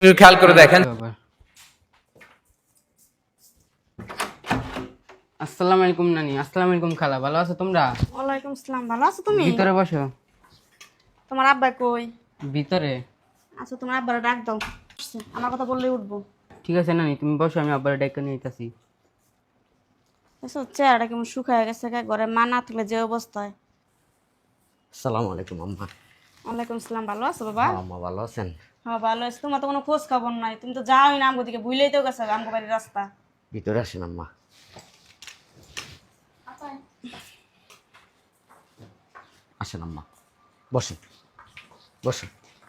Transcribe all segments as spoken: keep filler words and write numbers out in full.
একটু খেয়াল করে দেখেন। আসসালামু আলাইকুম নানি। আসসালামু আলাইকুম খালা, ভালো আছো তোমরা? ওয়ালাইকুম আসসালাম। ভালো আছো তুমি? ভিতরে বসো। তোমার আব্বা কই? ভিতরে। আচ্ছা, তোমার আব্বারে ডাক দাও। আমার কথা বললেই উঠবো। ঠিক আছে নানি, তুমি বসো, আমি আব্বার ডেকে নিয়ে আসতেছি। এসো, চেহারাটা কেমন শুকায় গেছে, গা ঘরে মা না থাকলে যে অবস্থায়। আসসালামু আলাইকুম আম্মা। ওয়ালাইকুম আসসালাম। ভালো আছো বাবা? হ্যাঁ আম্মা, ভালো আছেন? হ্যাঁ ভালো আছি। তোমার তো কোনো খোঁজ খবর নাই, তুমি তো যাওই না আমগো দিকে, ভুলেই তো গেছো আমগো বাড়ির রাস্তা। ভিতরে আসেন আম্মা। আসেন আম্মা, বসেন বসেন।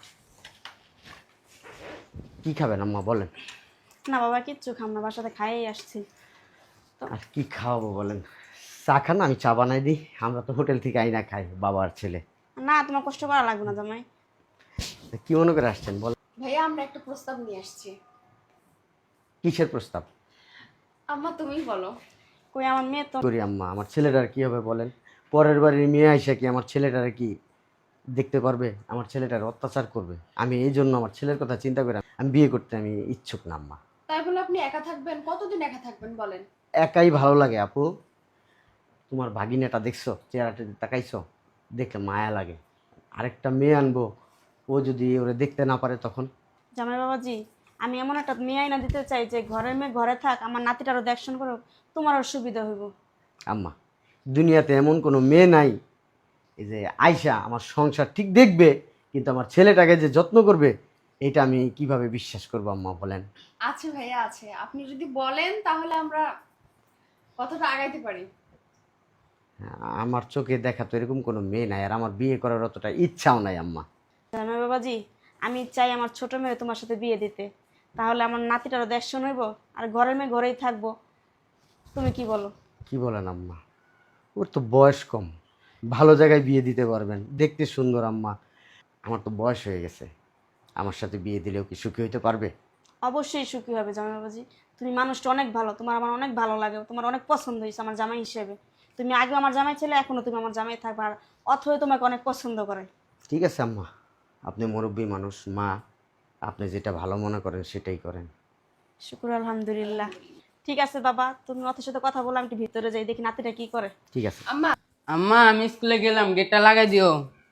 কি খাবেন আম্মা বলেন? না বাবা, কিচ্ছু খাম না, বাসাতে খাইয়েই আসছি। আর কি খাওয়াবো বলেন? চা খান, আমি চা বানাই দিই। আমরা তো হোটেল থেকে আইনা খাই, বাবা আর ছেলে। না, তোমার কষ্ট করা লাগবে না জামাই। তা কি মনে করে আসছেন বলেন? ভাইয়া আমরা একটা প্রস্তাব নিয়ে আসছি। কিসের প্রস্তাব? আম্মা তুমিই বলো। কই আমার মেয়ে তো। করি আম্মা, আমার ছেলেটার কি হবে বলেন? পরের বাড়ির মেয়ে আইসা কি আমার ছেলেটার কি দেখতে পারবে? আমার ছেলেটার অত্যাচার করবে। আমি এই জন্য আমার ছেলের কথা চিন্তা করে আমি বিয়ে করতে আমি ইচ্ছুক না আম্মা। তাই বলে আপনি একা থাকবেন? কতদিন একা থাকবেন বলেন? একাই ভালো লাগে আপু। তোমার ভাগিনাটা দেখছো, চেহারাটা তাকাইছো, দেখলে মায়া লাগে। আরেকটা মেয়ে আনবো, ও যদি ওরে দেখতে না পারে তখন? জামাই বাবাজি, আমি এমন একটা মেয়ে আইনা দিতে চাই যে ঘরের মেয়ে ঘরে থাক, আমার নাতিটারও দেখশন করো, তোমারও সুবিধা হইব। আম্মা, দুনিয়াতে এমন কোনো মেয়ে নাই এই যে আয়শা আমার সংসার ঠিক দেখবে, কিন্তু আমার ছেলেটাকে যে যত্ন করবে, এটা আমি কিভাবে বিশ্বাস করবো আম্মা বলেন? আছে ভাইয়া আছে, আপনি যদি বলেন তাহলে আমরা কথাটা আগাইতে পারি। আমার চোখে দেখা তো এরকম কোনো মেয়ে নাই, আর আমার বিয়ে করার অতটা ইচ্ছাও নাই আম্মা। জামাই বাবাজি, আমি চাই আমার ছোট মেয়ে তোমার সাথে বিয়ে দিতে, তাহলে আমার নাতিটারও দেখশন হইব, আর ঘরের মেয়ে ঘরেই থাকবো। তুমি কি বলো? কি বলেন আম্মা? ওর তো বয়স কম, ভালো জায়গায় বিয়ে দিতে পারবেন, দেখতে সুন্দর আম্মা। আমার তো বয়স হয়ে গেছে, আমার সাথে বিয়ে দিলেও কি সুখী হইতে পারবে? অবশ্যই সুখী হবে জামাই বাবাজি। তুমি মানুষটা অনেক ভালো, তোমার আমার অনেক ভালো লাগে, তোমার অনেক পছন্দ হয়েছে আমার জামাই হিসেবে। তুমি আগে আমার জামাই ছেলে, এখনো তুমি আমার জামাই থাকবে, আর অথই তোমাকে অনেক পছন্দ করে। ঠিক আছে আম্মা, আপনি মুরব্বী মানুষ, মা, আপনি যেটা ভালো মনে করেন সেটাই করেন। শুকুর আলহামদুলিল্লাহ। ঠিক আছে বাবা, তুমি অথের সাথে কথা বলো, আমি একটু ভিতরে যাই, দেখি নাতিটা কি করে। ঠিক আছে। আম্মা আম্মা আমি স্কুলে গেলাম, গেটটা লাগাই দিও।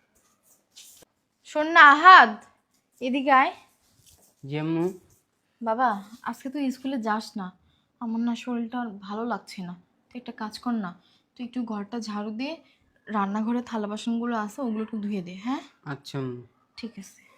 শোন না আহাদ, এদিকে আয়। যেমু বাবা, আজকে তুই স্কুলে যাস না, আমার না শরীরটা আর ভালো লাগছে না। তুই একটা কাজ কর না, তুই একটু ঘরটা ঝাড়ু দিয়ে রান্নাঘরে থালা বাসনগুলো আছে ওগুলো একটু ধুয়ে দে, হ্যাঁ? আচ্ছা আম্মু। ঠিক আছে।